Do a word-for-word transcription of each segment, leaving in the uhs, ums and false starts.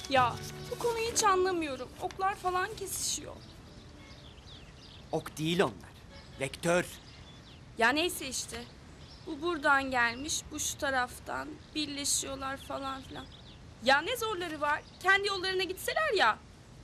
Ya bu konuyu hiç anlamıyorum. Oklar falan kesişiyor. Ok değil onlar. Vektör. Ya neyse işte. Bu buradan gelmiş, bu şu taraftan. Birleşiyorlar falan filan. Ya ne zorları var? Kendi yollarına gitseler ya.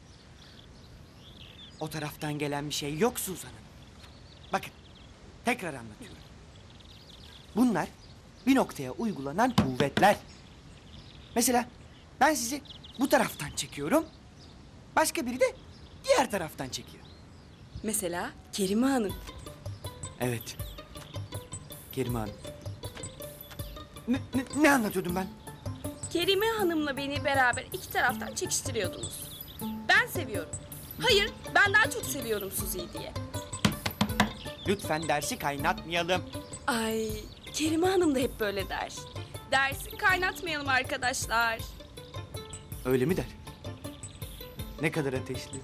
O taraftan gelen bir şey yok Suzan Hanım. Bakın, tekrar anlatıyorum. Bunlar bir noktaya uygulanan kuvvetler. Mesela ben sizi bu taraftan çekiyorum. Başka biri de diğer taraftan çekiyor. Mesela Kerime Hanım. Evet. Kerime Hanım. Ne, ne, ne anlatıyordum ben? Kerime Hanım'la beni beraber iki taraftan çekiştiriyordunuz. Ben seviyorum. Hayır, ben daha çok seviyorum Suzi'yi diye. Lütfen dersi kaynatmayalım. Ay, Kerime Hanım da hep böyle der. Dersi kaynatmayalım arkadaşlar. Öyle mi der? Ne kadar ateşli.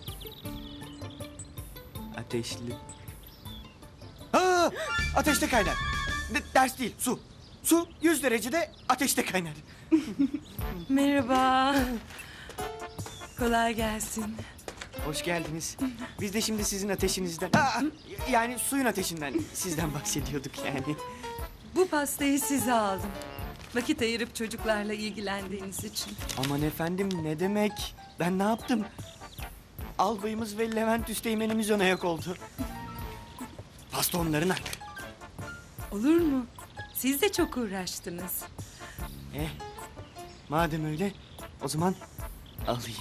Ateşli. Aa, ateşte kaynar. De- ders değil, su. Su yüz derecede ateşte kaynar. Merhaba. Kolay gelsin. Hoş geldiniz. Biz de şimdi sizin ateşinizden... Aa, yani suyun ateşinden sizden bahsediyorduk yani. Bu pastayı size aldım. Vakit ayırıp çocuklarla ilgilendiğiniz için. Aman efendim ne demek? Ben ne yaptım? Albayımız ve Levent Üsteğmen'imiz ön ayak oldu. Pasta onların hakkı. Olur mu? Siz de çok uğraştınız. Eh, madem öyle o zaman alayım.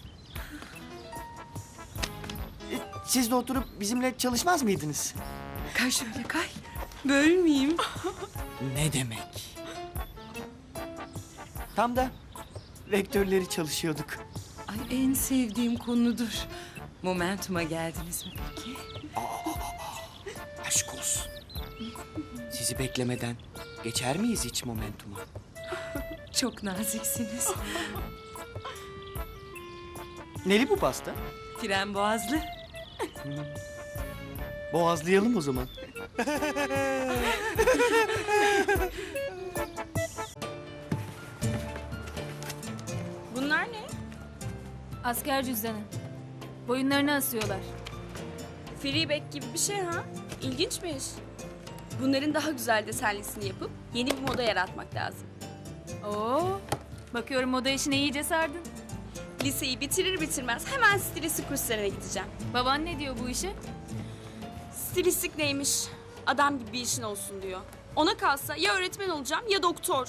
E, siz de oturup bizimle çalışmaz mıydınız? Kay şöyle kay. Bölmeyeyim. Ne demek? Tam da vektörleri çalışıyorduk. Ay en sevdiğim konudur. Momentum'a geldiniz mi peki? Aşk olsun. Sizi beklemeden geçer miyiz hiç momentuma? Çok naziksiniz. Neli bu pasta? Fren boğazlı. Boğazlayalım o zaman. Bunlar ne? Asker cüzdanı. Boyunlarına asıyorlar. Freeback gibi bir şey ha? İlginçmiş. Bunların daha güzel desenlisini yapıp yeni bir moda yaratmak lazım. Oo, bakıyorum moda işine iyice sardın. Liseyi bitirir bitirmez hemen stilistik kurslarına gideceğim. Baban ne diyor bu işe? Stilistik neymiş? Adam gibi bir işin olsun diyor. Ona kalsa ya öğretmen olacağım ya doktor.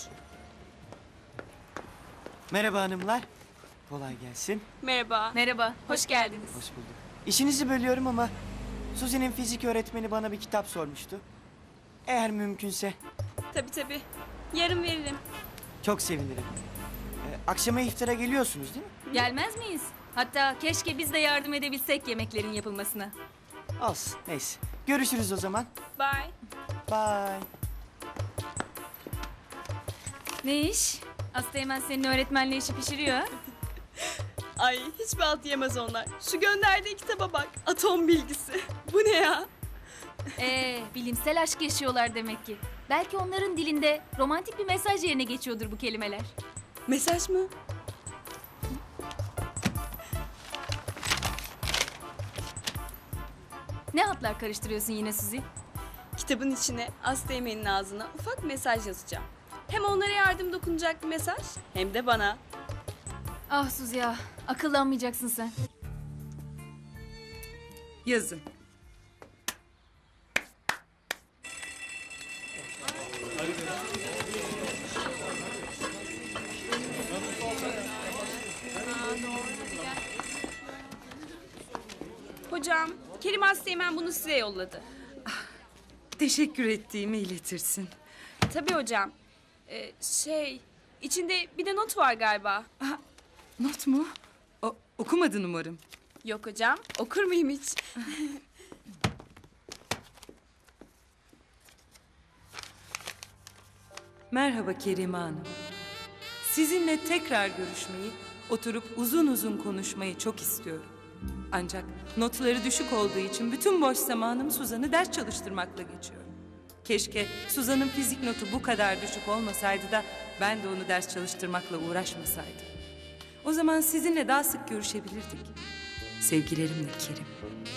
Merhaba hanımlar. Kolay gelsin. Merhaba. Merhaba, hoş geldiniz. Hoş bulduk. İşinizi bölüyorum ama Suzi'nin fizik öğretmeni bana bir kitap sormuştu. Eğer mümkünse Tabii tabii. Yarın veririm. çok sevinirim. Ee, akşama iftara geliyorsunuz değil mi? Gelmez miyiz? Hatta keşke biz de yardım edebilsek yemeklerin yapılmasına. Olsun neyse. Görüşürüz o zaman. Bye. Bye. Ne iş? Asteğmen senin öğretmenle işi pişiriyor ha? Ay hiçbir alt yemez onlar. Şu gönderdiği kitaba bak. Atom bilgisi. Bu ne ya? Ee, bilimsel aşk yaşıyorlar demek ki. Belki onların dilinde romantik bir mesaj yerine geçiyordur bu kelimeler. Mesaj mı? Ne hatlar karıştırıyorsun yine Suzi? Kitabın içine Asteğmen'in ağzına ufak mesaj yazacağım. Hem onlara yardım dokunacak bir mesaj hem de bana. Ah Suzi ya, akıllanmayacaksın sen. Yazın. Hocam, Kerim Asteğmen bunu size yolladı. Teşekkür ettiğimi iletirsin. Tabii hocam. Ee, şey, içinde bir de not var galiba. Aa, not mu? O, okumadın umarım. Yok hocam, okur muyum hiç? Merhaba Kerime Hanım. Sizinle tekrar görüşmeyi, oturup uzun uzun konuşmayı çok istiyorum. Ancak notları düşük olduğu için bütün boş zamanım Suzan'ı ders çalıştırmakla geçiyor. Keşke Suzan'ın fizik notu bu kadar düşük olmasaydı da ben de onu ders çalıştırmakla uğraşmasaydım. O zaman sizinle daha sık görüşebilirdik. Sevgilerimle Kerim.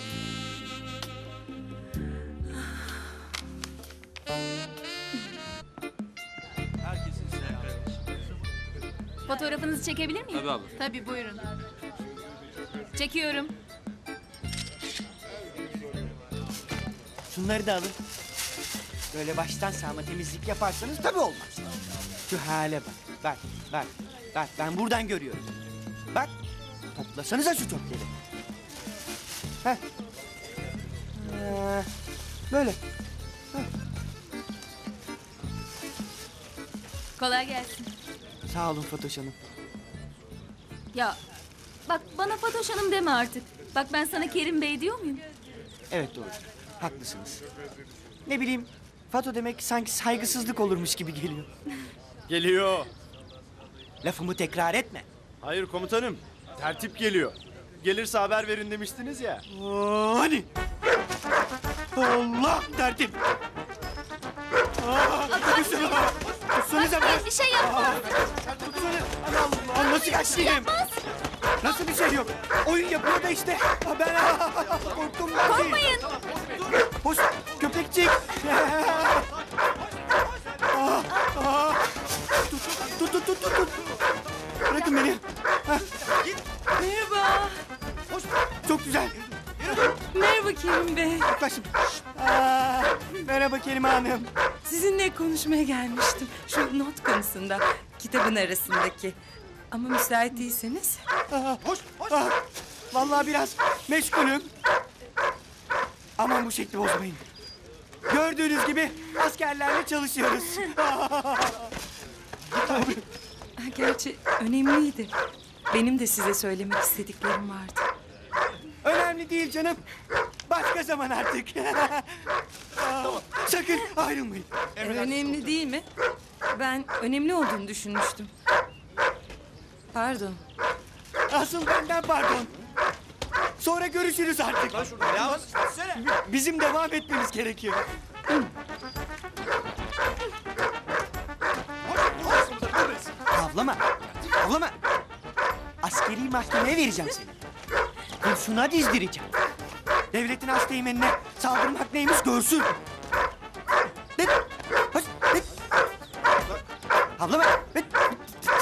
Fotoğrafınızı çekebilir miyim? Tabii abla. Tabii buyurun. Çekiyorum. Şunları da alın. Böyle baştan sağma temizlik yaparsanız tabii olmaz. Şu hale bak. Bak, bak, bak. Ben buradan görüyorum. Bak, toplasanıza şu çöpleri. Heh. Ee, böyle. Kolay gelsin. Sağ olun Fatoş Hanım. Ya bak bana Fatoş Hanım deme artık. Bak ben sana Kerim Bey diyor muyum? Evet doğru. Haklısınız. Ne bileyim, Fato demek sanki saygısızlık olurmuş gibi geliyor. Geliyor. Lafımı tekrar etme. Hayır komutanım. Tertip geliyor. Gelirse haber verin demiştiniz ya. Oo, hani? Allah tertip. Aa, tutuşsana. Tutsanıza be. Bir şey yapma. Tutsana. Allah Allah. Nasıl kaçtayım? Nasıl bir şey yok? Oyun yapıyor da işte. Ha, ben korktum. ben. Korkmayın. Hoş köpekçik. Aa, aa. Tut, tut, tut, tut, tut, tut. Bırakın beni. Ha, Merhaba. hoş. Çok güzel. Merhaba Kerim Bey. Yaklaşın. Aa, merhaba Kerime Hanım. Sizinle konuşmaya gelmiştim. Şu not konusunda, kitabın arasındaki. Ama müsait değilseniz. Aa, hoş, hoş. Aa, vallahi biraz meşgulüm. Aman bu şekli bozmayın. Gördüğünüz gibi askerlerle çalışıyoruz. Ha, gerçi önemliydi. Benim de size söylemek istediklerim vardı. Önemli değil canım. Başka zaman artık. Aa, sakın ayrılmayın. Önemli değil mi? Ben önemli olduğunu düşünmüştüm. Pardon. Asıl benden pardon. Sonra görüşürüz artık. Bizim devam etmemiz gerekiyor. Avlama. Avlama. Askeri mahkemeye vereceğim seni. Kurşuna dizdireceğim. Devletin asteğmenine saldırmak neymiş görsün. Ne? Hoş, ne? Avlama.